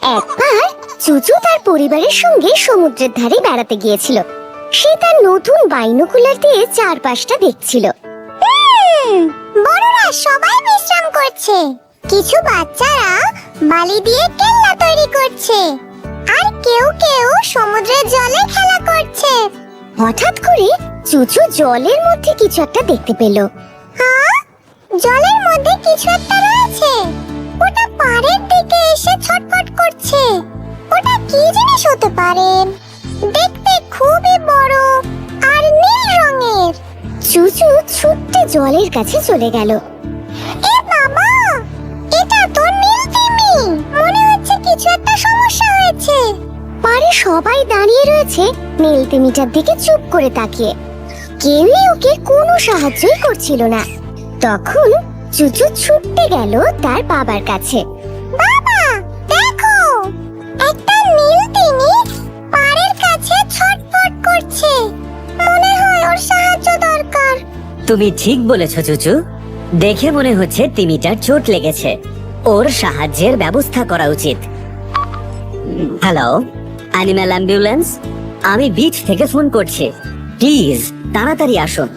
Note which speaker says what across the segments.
Speaker 1: একবার চুচু তার পরিবারের সঙ্গে সমুদ্রের ধারে বেড়াতে গিয়েছিল। সে তার নতুন বাইনোকুলার দিয়ে চারপাশটা দেখছিল। বড়রা সবাই বিশ্রাম করছে, কিছু বাচ্চারা বালি দিয়ে কেল্লা তৈরি করছে, আর কেউ কেউ সমুদ্রের জলে খেলা করছে। হঠাৎ করে চুচু জলের মধ্যে কিছু একটা দেখতে পেল। হ্যাঁ, জলের মধ্যে কিছু একটা রয়েছে। ওটা পাড়ের দিকে এসে ছটফট করছে। ওটা কি জিনিস হতে পারে? দেখতে খুবই বড় আর নীল রঙের। চুচু ছুটতে জলের কাছে চলে গেল। এ বাবা, এটা তো নীল তিমি। মনে হচ্ছে কিছু একটা সমস্যা হয়েছে। পাড়ে সবাই দাঁড়িয়ে রয়েছে নীল তিমিটার দিকে চুপ করে তাকিয়ে। কেউই ওকে কোনো সাহায্যই করছিল না। তখন চুচু ছুটতে গেল তার বাবার কাছে। বাবা, দেখো, একটা নীল তিমি পাড়ের কাছে ছটফট করছে। মনে হয় ওর সাহায্য দরকার।
Speaker 2: তুমি ঠিক বলেছো চুচু, দেখে মনে হচ্ছে তিমিটার চোট লেগেছে। ওর সাহায্যের ব্যবস্থা করা উচিত। হ্যালো, অ্যানিম্যাল অ্যাম্বুলেন্স, আমি বিচ থেকে ফোন করছি। প্লিজ তাড়াতাড়ি আসুন।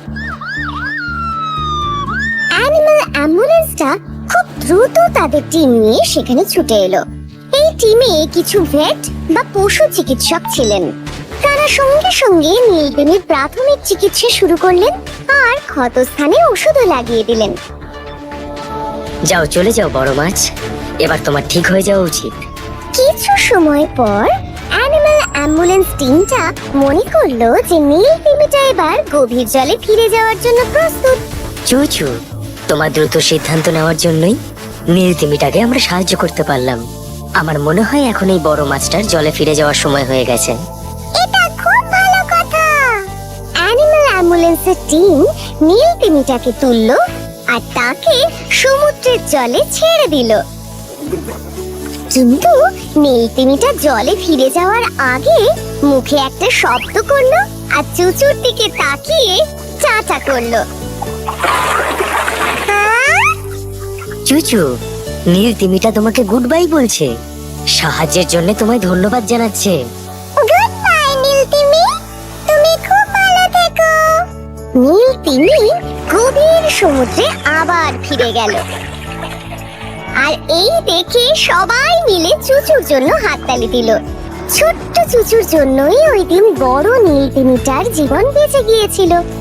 Speaker 1: অ্যানিম্যাল অ্যাম্বুলেন্সটা খুব দ্রুত তাদের টিম নিয়ে সেখানে ছুটে এলো। এই টিমে কিছু ভেট বা পশু চিকিৎসক ছিলেন। তারা সঙ্গে সঙ্গে নীলতিমির প্রাথমিক চিকিৎসা শুরু করলেন আর ক্ষতস্থানে ওষুধও লাগিয়ে দিলেন।
Speaker 2: যাও, চলে যাও বড় মাছ, এবার তোমার ঠিক হয়ে যাওয়া উচিত।
Speaker 1: কিছু সময় পর অ্যানিম্যাল অ্যাম্বুলেন্স টিমটা মনে করলো যে নীলতিমিটা এবার গভীর জলে ফিরে যাওয়ার জন্য প্রস্তুত।
Speaker 2: চুচু, তোমার দ্রুত সিদ্ধান্ত নেওয়ার জন্যই নীল তিমিটাকে আমরা সাহায্য করতে পারলাম। আমার মনে হয় এখন এই বড় মাছটার জলে ফিরে যাওয়ার সময় হয়ে গেছে।
Speaker 1: এটা খুব ভালো কথা। অ্যানিম্যাল অ্যাম্বুলেন্সের টিম নীলতিমিটাকে তুললো আর তাকে সমুদ্রের জলে ছেড়ে দিল। কিন্তু নীলতিমিটা জলে ফিরে যাওয়ার আগে মুখে একটা শব্দ করলো আর চুচুর দিকে তাকিয়ে চাটা করলো।
Speaker 2: চুচু, নীল তিমিটা তোমাকে গুড বাই বলছে। সাহায্যের জন্য তোমায় ধন্যবাদ জানাচ্ছে।
Speaker 1: গুড বাই নীলতিমি, তুমি খুব ভালো থেকো। নীলতিমি গভীর সমুদ্রে আবার ফিরে গেল। আর এই দেখে সবাই মিলে চুচুর জন্য হাততালি দিল। ছোট্ট চুচুর জন্যই ওই দিন বড় নীলতিমিটার জীবন বেঁচে গিয়েছিল।